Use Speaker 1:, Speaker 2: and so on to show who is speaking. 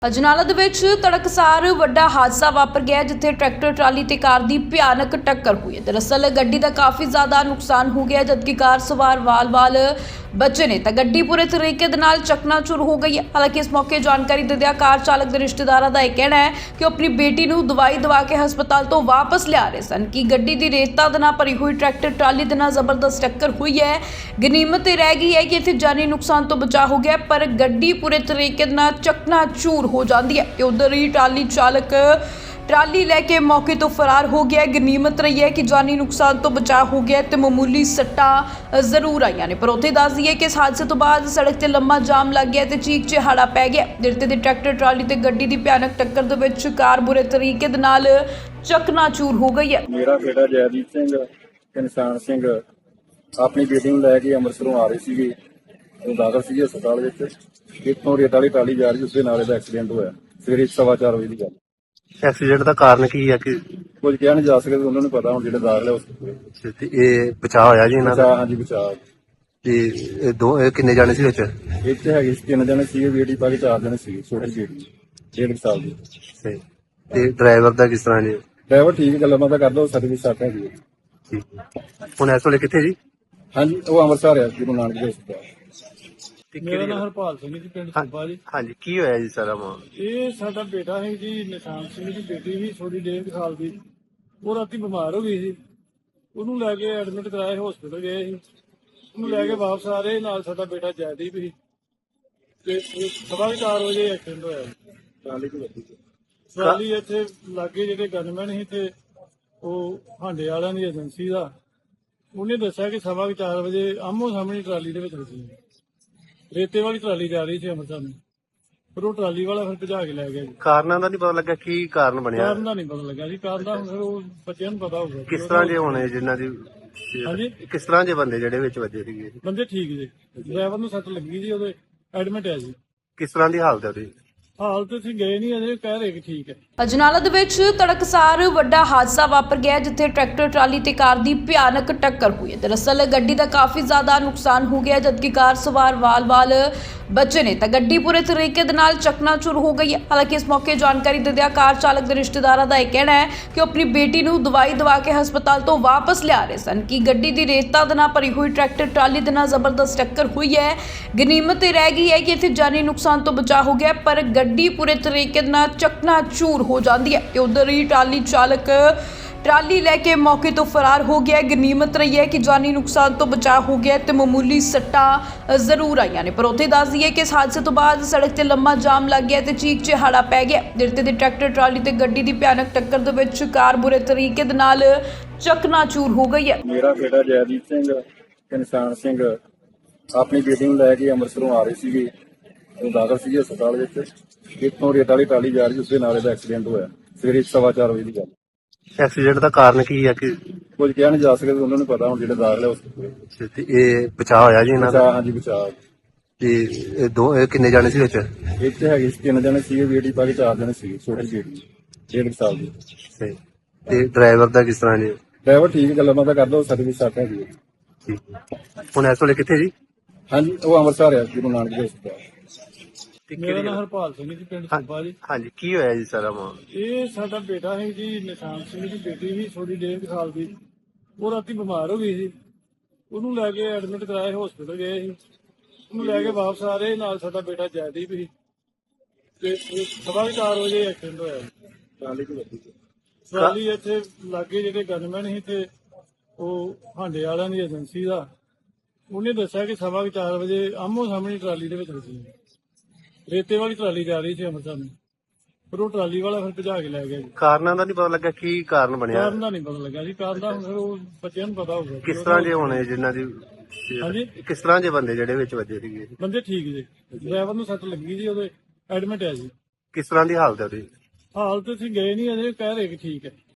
Speaker 1: ਅਜਨਾਲਾ ਦੇ ਵਿੱਚ ਤੜਕਸਾਰ ਵੱਡਾ ਹਾਦਸਾ ਵਾਪਰ ਗਿਆ ਜਿੱਥੇ ਟਰੈਕਟਰ ਟਰਾਲੀ ਤੇ ਕਾਰ ਦੀ ਭਿਆਨਕ ਟੱਕਰ ਹੋਈ ਹੈ। ਦਰਅਸਲ ਗੱਡੀ ਦਾ ਕਾਫੀ ਜ਼ਿਆਦਾ ਨੁਕਸਾਨ ਹੋ ਗਿਆ ਜਦਕਿ ਕਾਰ ਸਵਾਰ ਵਾਲ-ਵਾਲ ਬਚੇ ਨੇ ਤਾਂ ਗੱਡੀ ਪੂਰੇ ਤਰੀਕੇ ਦੇ ਨਾਲ ਚਕਨਾਚੂਰ ਹੋ ਗਈ ਹੈ। ਹਾਲਾਂਕਿ ਇਸ ਮੌਕੇ ਜਾਣਕਾਰੀ ਦਿੰਦਿਆਂ ਕਾਰ ਚਾਲਕ ਦੇ ਰਿਸ਼ਤੇਦਾਰਾਂ ਦਾ ਇਹ ਕਹਿਣਾ ਹੈ ਕਿ ਉਹ ਆਪਣੀ ਬੇਟੀ ਨੂੰ ਦਵਾਈ ਦਵਾ ਕੇ ਹਸਪਤਾਲ ਤੋਂ ਵਾਪਸ ਲਿਆ ਰਹੇ ਸਨ ਕਿ ਗੱਡੀ ਦੀ ਰੇਤਾ ਦੇ ਨਾਲ ਭਰੀ ਹੋਈ ਟਰੈਕਟਰ ਟਰਾਲੀ ਦੇ ਨਾਲ ਜ਼ਬਰਦਸਤ ਟੱਕਰ ਹੋਈ ਹੈ। ਗਨੀਮਤ ਇਹ ਰਹਿ ਗਈ ਹੈ ਕਿ ਇੱਥੇ ਜਾਨੀ ਨੁਕਸਾਨ ਤੋਂ ਬਚਾਅ ਹੋ ਗਿਆ ਪਰ ਗੱਡੀ ਪੂਰੇ ਤਰੀਕੇ ਨਾਲ ਚਕਨਾਚੂਰ ਹੋ ਜਾਂਦੀ ਹੈ ਤੇ ਉਧਰ ਹੀ ਟਰਾਲੀ ਚਾਲਕ ਟਰਾਲੀ ਲੈ ਕੇ ਮੌਕੇ ਤੋਂ ਫਰਾਰ ਹੋ ਗਿਆ। ਗਨੀਮਤ ਰਹੀ ਹੈ ਕਿ ਜਾਨੀ ਨੁਕਸਾਨ ਤੋਂ ਬਚਾਅ ਹੋ ਗਿਆ ਤੇ ਮਾਮੂਲੀ ਸੱਟਾਂ ਜ਼ਰੂਰ ਆਈਆਂ ਨੇ। ਪਰ ਉੱਥੇ ਦੱਸ ਦਈਏ ਕਿ ਇਸ ਹਾਦਸੇ ਤੋਂ ਬਾਅਦ ਸੜਕ ਤੇ ਲੰਮਾ ਜਾਮ ਲੱਗ ਗਿਆ ਤੇ ਚੀਕ ਚਿਹਾੜਾ ਪੈ ਗਿਆ। ਦਿਰਤੇ ਦੇ ਟਰੈਕਟਰ ਟਰਾਲੀ ਤੇ ਗੱਡੀ ਦੀ ਭਿਆਨਕ ਟੱਕਰ ਦੇ ਵਿੱਚ ਕਾਰ ਬੁਰੇ ਤਰੀਕੇ ਦੇ ਨਾਲ ਚਕਨਾਚੂਰ ਹੋ ਗਈ ਹੈ।
Speaker 2: ਮੇਰਾ ਬੇਟਾ ਜੈਦੀਪ ਸਿੰਘ ਤੇ ਨਿਸ਼ਾਨ ਸਿੰਘ ਆਪਣੀ ਬੇਟੀ ਨੂੰ ਲੈ ਕੇ ਅੰਮ੍ਰਿਤਸਰੋਂ ਆ ਰਹੇ ਸੀਗੇ। ਉਹ ਦਾਖਲ ਸੀਗੇ ਹਸਪਤਾਲ ਵਿੱਚ। ਇੱਥੋਂ ਰੇਤ ਵਾਲੀ ਟਰਾਲੀ ਜਾ ਰਹੀ ਉਸਦੇ ਨਾਲ ਇਹਦਾ ਐਕਸੀਡੈਂਟ ਹੋਇਆ ਸਵੇਰੇ 4:15 ਵਜੇ ਦੀ ਗੱਲ।
Speaker 3: ਐਕਸੀਡੈਂਟ ਦਾ ਕਾਰਨ ਕੀ ਹੈ ਕਿ
Speaker 2: ਕੁਝ ਕਿਹਾ ਨਹੀਂ ਜਾ ਸਕਦਾ, ਉਹਨਾਂ ਨੂੰ ਪਤਾ ਹੁਣ ਜਿਹੜੇ ਦਾਖਲ ਹੈ ਉਸ
Speaker 3: ਤੇ ਇਹ ਬਚਾਅ ਹੋਇਆ ਜੀ ਇਹਨਾਂ ਦਾ?
Speaker 2: ਹਾਂਜੀ ਬਚਾਅ।
Speaker 3: ਤੇ ਇਹ ਕਿੰਨੇ ਜਾਣੇ ਸੀ ਵਿੱਚ?
Speaker 2: ਇੱਥੇ ਹੈਗੇ ਸੀ 3 ਜਣੇ ਸੀਗੇ, ਬੇਟੀ ਪਾ ਕੇ 4 ਜਣੇ ਸੀਗੇ। ਛੋਟੀ ਬੇਟੀ 1.5 ਸਾਲ ਦੀ।
Speaker 3: ਤੇ ਡਰਾਈਵਰ ਦਾ ਕਿਸ ਤਰ੍ਹਾਂ ਜੀ?
Speaker 2: ਡਰਾਈਵਰ ਠੀਕ ਗੱਲਾਂ ਬਾਤਾਂ ਕਰਦਾ, ਉਹ ਸਰਵਿਸ ਸੱਟ ਹੈਗੀ ਹੈ।
Speaker 3: ਠੀਕ। ਹੁਣ ਇਸ ਵੇਲੇ ਕਿੱਥੇ ਜੀ?
Speaker 2: ਹਾਂਜੀ ਉਹ ਅੰਮ੍ਰਿਤਸਰ ਆ ਗੁਰੂ ਨਾਨਕ ਦੇ ਹਸਪਤਾਲ।
Speaker 4: ਮੇਰਾ ਨਾਮ ਹਰਪਾਲ ਸਿੰਘ ਜੀ, ਪਿੰਡ ਸੁੱਬਾ ਜੀ।
Speaker 3: ਹਾਂਜੀ, ਕੀ ਹੋਇਆ ਜੀ ਸਾਰਾ ਮਾਮਲਾ?
Speaker 4: ਇਹ ਸਾਡਾ ਬੇਟਾ ਹੈ ਜੀ, ਨਿਸ਼ਾਨ ਸਿੰਘ ਦੀ ਬੇਟੀ ਸੀ ਥੋੜੀ 1.5 ਸਾਲ ਦੀ। ਉਹ ਰਾਤੀ ਬਿਮਾਰ ਹੋ ਗਈ ਸੀ, ਉਹਨੂੰ ਲੈ ਕੇ ਐਡਮਿਟ ਕਰਾਏ, ਹਸਪੀਟਲ ਗਏ ਸੀ। ਉਹਨੂੰ ਲੈ ਕੇ ਵਾਪਸ ਆ ਰਹੇ ਨਾਲ ਸਾਡਾ ਬੇਟਾ ਜੈਦੀਪ ਸੀ ਤੇ 4:15 ਵਜੇ ਐਕਸੀਡੈਂਟ ਹੋਇਆ। ਟਰਾਲੀ ਇੱਥੇ ਲਾਗੇ ਜਿਹੜੇ ਗਨਮੈਨ ਸੀ ਤੇ ਉਹ ਹਾਂਡੇ ਵਾਲਿਆਂ ਦੀ ਏਜੰਸੀ ਦਾ, ਉਹਨੇ ਦੱਸਿਆ ਕਿ 4:15 ਵਜੇ ਆਮੋ ਸਾਹਮਣੇ ਟਰਾਲੀ ਦੇ ਵਿੱਚ ਸੀ। ਰੇਤੇ ਵਾਲੀ ਟਰਾਲੀ ਜਾ ਰਹੀ ਸੀ ਅੰਮ੍ਰਿਤਸਰ ਨੂੰ, ਪਰ ਉਹ ਟਰਾਲੀ ਵਾਲਾ ਫਿਰ ਭਜਾ ਕੇ ਲੈ ਗਿਆ ਜੀ।
Speaker 3: ਕਾਰਨਾਂ ਦਾ ਨਹੀਂ ਪਤਾ ਲੱਗਾ ਕੀ ਕਾਰਨ ਬਣਿਆ?
Speaker 4: ਕਾਰਨ ਦਾ ਨਹੀਂ ਪਤਾ ਲੱਗਾ ਜੀ, ਕਾਰਨ ਦਾ ਹੁਣ ਫਿਰ ਉਹ ਬੱਚਿਆਂ ਨੂੰ ਪਤਾ ਹੋਊਗਾ।
Speaker 3: ਕਿਸ ਤਰ੍ਹਾਂ ਦੇ ਹੋਣੇ ਜਿਨ੍ਹਾਂ ਦੀ?
Speaker 4: ਹਾਂਜੀ,
Speaker 3: ਕਿਸ ਤਰ੍ਹਾਂ ਦੇ ਬੰਦੇ ਜਿਹੜੇ ਵਿੱਚ ਵੱਜੇ ਸੀਗੇ?
Speaker 4: ਬੰਦੇ ਠੀਕ ਜੀ, ਡਰਾਈਵਰ ਨੂੰ ਸੱਟ ਲੱਗੀ ਜੀ, ਉਹਦੇ ਐਡਮਿਟ ਹੈ ਜੀ।
Speaker 3: ਕਿਸ ਤਰ੍ਹਾਂ ਦੀ ਹਾਲਤ ਹੈ ਉਹਦੀ?
Speaker 4: ਹਾਲਤ ਅਸੀਂ ਗਏ ਨਹੀਂ ਅਜੇ, ਕਹਿ ਰਹੇ ਕਿ ਠੀਕ ਹੈ।
Speaker 1: ਅਜਨਾਲਾ ਦੇ ਵਿੱਚ ਤੜਕਸਾਰ ਵੱਡਾ ਹਾਦਸਾ ਵਾਪਰ ਗਿਆ ਜਿੱਥੇ ਟਰੈਕਟਰ ਟਰਾਲੀ ਤੇ ਕਾਰ ਦੀ ਭਿਆਨਕ ਟੱਕਰ ਹੋਈ ਹੈ। ਦਰਅਸਲ ਗੱਡੀ ਦਾ ਕਾਫੀ ਜ਼ਿਆਦਾ ਨੁਕਸਾਨ ਹੋ ਗਿਆ ਜਦਕਿ ਕਾਰ ਸਵਾਰ ਵਾਲ-ਵਾਲ ਬਚੇ ਨੇ ਤਾਂ ਗੱਡੀ ਪੂਰੇ ਤਰੀਕੇ ਦੇ ਨਾਲ ਚਕਨਾਚੂਰ ਹੋ ਗਈ ਹੈ। ਹਾਲਾਂਕਿ ਇਸ ਮੌਕੇ ਜਾਣਕਾਰੀ ਦਿੰਦਿਆਂ ਕਾਰ ਚਾਲਕ ਦੇ ਰਿਸ਼ਤੇਦਾਰਾਂ ਦਾ ਇਹ ਕਹਿਣਾ ਹੈ ਕਿ ਉਹ ਆਪਣੀ ਬੇਟੀ ਨੂੰ ਦਵਾਈ ਦਵਾ ਕੇ ਹਸਪਤਾਲ ਤੋਂ ਵਾਪਸ ਲਿਆ ਰਹੇ ਸਨ ਕਿ ਗੱਡੀ ਦੀ ਰੇਤਾ ਦੇ ਨਾਲ ਭਰੀ ਹੋਈ ਟਰੈਕਟਰ ਟਰਾਲੀ ਦੇ ਨਾਲ ਜ਼ਬਰਦਸਤ ਟੱਕਰ ਹੋਈ ਹੈ। ਗਨੀਮਤ ਇਹ ਰਹਿ ਗਈ ਹੈ ਕਿ ਇੱਥੇ ਜਾਨੀ ਨੁਕਸਾਨ ਤੋਂ ਬਚਾਅ ਹੋ ਗਿਆ ਪਰ ਗੱਡੀ ਪੂਰੇ ਤਰੀਕੇ ਨਾਲ ਚਕਨਾਚੂਰ ਹੋ ਜਾਂਦੀ ਹੈ ਤੇ ਉਧਰ ਹੀ ਟਰਾਲੀ ਚਾਲਕ ਟਰਾਲੀ ਲੈ ਕੇ ਮੌਕੇ ਤੋਂ ਫਰਾਰ ਹੋ ਗਿਆ। ਗਨੀਮਤ ਰਹੀ ਹੈ ਕਿ ਜਾਨੀ ਨੁਕਸਾਨ ਤੋਂ ਬਚਾਅ ਹੋ ਗਿਆ ਤੇ ਮਾਮੂਲੀ ਸੱਟਾਂ ਜ਼ਰੂਰ ਆਈਆਂ ਨੇ। ਪਰ ਉੱਥੇ ਦੱਸ ਦਈਏ ਕਿ ਇਸ ਹਾਦਸੇ ਤੋਂ ਬਾਅਦ ਸੜਕ ਤੇ ਲੰਮਾ ਜਾਮ ਲੱਗ ਗਿਆ ਤੇ ਚੀਕ ਚਿਹਾੜਾ ਪੈ ਗਿਆ। ਦਿਰਤੇ ਦੇ ਟਰੈਕਟਰ ਟਰਾਲੀ ਤੇ ਗੱਡੀ ਦੀ ਭਿਆਨਕ ਟੱਕਰ ਦੇ ਵਿੱਚ ਕਾਰ ਬੁਰੇ ਤਰੀਕੇ ਦੇ ਨਾਲ ਚਕਨਾਚੂਰ ਹੋ ਗਈ ਹੈ।
Speaker 2: ਮੇਰਾ ਬੇਟਾ ਜੈਦੀਪ ਸਿੰਘ ਤੇ ਨਿਸ਼ਾਨ ਸਿੰਘ ਆਪਣੀ ਬੇਟੀ ਨੂੰ ਲੈ ਕੇ ਅੰਮ੍ਰਿਤਸਰੋਂ ਆ ਰਹੇ ਸੀਗੇ। ਉਹ ਦਾਖਲ ਸੀਗੇ ਹਸਪਤਾਲ ਵਿੱਚ। ਇੱਥੋਂ ਰੇਤ ਵਾਲੀ ਟਰਾਲੀ ਜਾ ਰਹੀ ਉਸਦੇ ਨਾਲ ਇਹਦਾ ਐਕਸੀਡੈਂਟ ਹੋਇਆ ਸਵੇਰੇ 4:15 ਵਜੇ ਦੀ ਗੱਲ।
Speaker 3: ਐਕਸੀਡੈਂਟ ਦਾ ਕਾਰਨ ਕੀ ਹੈ ਕਿ
Speaker 2: ਕੁਝ ਕਿਹਾ ਨਹੀਂ ਜਾ ਸਕਦਾ, ਉਹਨਾਂ ਨੂੰ ਪਤਾ ਹੁਣ ਜਿਹੜੇ ਦਾਖਲ ਹੈ ਉਸ
Speaker 3: ਤੇ ਇਹ ਬਚਾਅ ਹੋਇਆ ਜੀ ਇਹਨਾਂ ਦਾ?
Speaker 2: ਹਾਂਜੀ ਬਚਾਅ।
Speaker 3: ਤੇ ਇਹ ਕਿੰਨੇ ਜਾਣੇ ਸੀ ਵਿੱਚ?
Speaker 2: ਇੱਥੇ ਹੈਗੇ ਸੀ 3 ਜਣੇ ਸੀਗੇ, ਬੇਟੀ ਪਾ ਕੇ 4 ਜਣੇ ਸੀਗੇ। ਛੋਟੀ ਬੇਟੀ 1.5 ਸਾਲ ਦੀ।
Speaker 3: ਤੇ ਡਰਾਈਵਰ ਦਾ ਕਿਸ ਤਰ੍ਹਾਂ ਜੀ?
Speaker 2: ਡਰਾਈਵਰ ਠੀਕ ਗੱਲਾਂ ਬਾਤਾਂ ਕਰਦਾ, ਉਹ ਸਰਵਿਸ ਸੱਟ ਹੈਗੀ ਹੈ।
Speaker 3: ਠੀਕ। ਹੁਣ ਇਸ ਵੇਲੇ ਕਿੱਥੇ ਜੀ?
Speaker 2: ਹਾਂਜੀ ਉਹ ਅੰਮ੍ਰਿਤਸਰ ਆ ਗੁਰੂ ਨਾਨਕ ਦੇ ਹਸਪਤਾਲ।
Speaker 4: ਮੇਰਾ ਨਾਮ ਹਰਪਾਲ ਸਿੰਘ ਜੀ, ਪਿੰਡ ਸੁੱਬਾ ਜੀ।
Speaker 3: ਹਾਂਜੀ, ਕੀ ਹੋਇਆ ਜੀ ਸਾਰਾ ਮਾਮਲਾ?
Speaker 4: ਇਹ ਸਾਡਾ ਬੇਟਾ ਹੈ ਜੀ, ਨਿਸ਼ਾਨ ਸਿੰਘ ਦੀ ਬੇਟੀ ਸੀ ਥੋੜੀ 1.5 ਸਾਲ ਦੀ। ਉਹ ਰਾਤੀ ਬਿਮਾਰ ਹੋ ਗਈ ਸੀ, ਉਹਨੂੰ ਲੈ ਕੇ ਐਡਮਿਟ ਕਰਾਏ, ਹਸਪੀਟਲ ਗਏ ਸੀ। ਉਹਨੂੰ ਲੈ ਕੇ ਵਾਪਸ ਆ ਰਹੇ ਨਾਲ ਸਾਡਾ ਬੇਟਾ ਜੈਦੀਪ ਸੀ ਤੇ 4:15 ਵਜੇ ਐਕਸੀਡੈਂਟ ਹੋਇਆ। ਟਰਾਲੀ ਇੱਥੇ ਲਾਗੇ ਜਿਹੜੇ ਗਨਮੈਨ ਸੀ ਤੇ ਉਹ ਹਾਂਡੇ ਵਾਲਿਆਂ ਦੀ ਏਜੰਸੀ ਦਾ, ਉਹਨੇ ਦੱਸਿਆ ਕਿ 4:15 ਵਜੇ ਆਮੋ ਸਾਹਮਣੇ ਟਰਾਲੀ ਦੇ ਵਿੱਚ ਸੀ। ਰੇਤੇ ਵਾਲੀ ਟਰਾਲੀ ਜਾ ਰਹੀ ਸੀ ਅੰਮ੍ਰਿਤਸਰ ਨੂੰ, ਪਰ ਉਹ ਟਰਾਲੀ ਵਾਲਾ ਫਿਰ ਭਜਾ ਕੇ ਲੈ ਗਿਆ ਜੀ।
Speaker 3: ਕਾਰਨਾਂ ਦਾ ਨਹੀਂ ਪਤਾ ਲੱਗਾ ਕੀ ਕਾਰਨ ਬਣਿਆ?
Speaker 4: ਕਾਰਨ ਦਾ ਨਹੀਂ ਪਤਾ ਲੱਗਾ ਜੀ, ਕਾਰਨ ਦਾ ਹੁਣ ਫਿਰ ਉਹ ਬੱਚਿਆਂ ਨੂੰ ਪਤਾ ਹੋਊਗਾ।
Speaker 3: ਕਿਸ ਤਰ੍ਹਾਂ ਦੇ ਹੋਣੇ ਜਿਨ੍ਹਾਂ ਦੀ?
Speaker 4: ਹਾਂਜੀ,
Speaker 3: ਕਿਸ ਤਰ੍ਹਾਂ ਦੇ ਬੰਦੇ ਜਿਹੜੇ ਵਿੱਚ ਵੱਜੇ ਸੀਗੇ?
Speaker 4: ਬੰਦੇ ਠੀਕ ਜੀ, ਡਰਾਈਵਰ ਨੂੰ ਸੱਟ ਲੱਗੀ ਜੀ, ਉਹਦੇ ਐਡਮਿਟ ਹੈ ਜੀ।
Speaker 3: ਕਿਸ ਤਰ੍ਹਾਂ ਦੀ ਹਾਲਤ ਹੈ ਉਹਦੀ?
Speaker 4: ਹਾਲਤ ਅਸੀਂ ਗਏ ਨਹੀਂ ਅਜੇ, ਕਹਿ ਰਹੇ ਕਿ ਠੀਕ ਹੈ।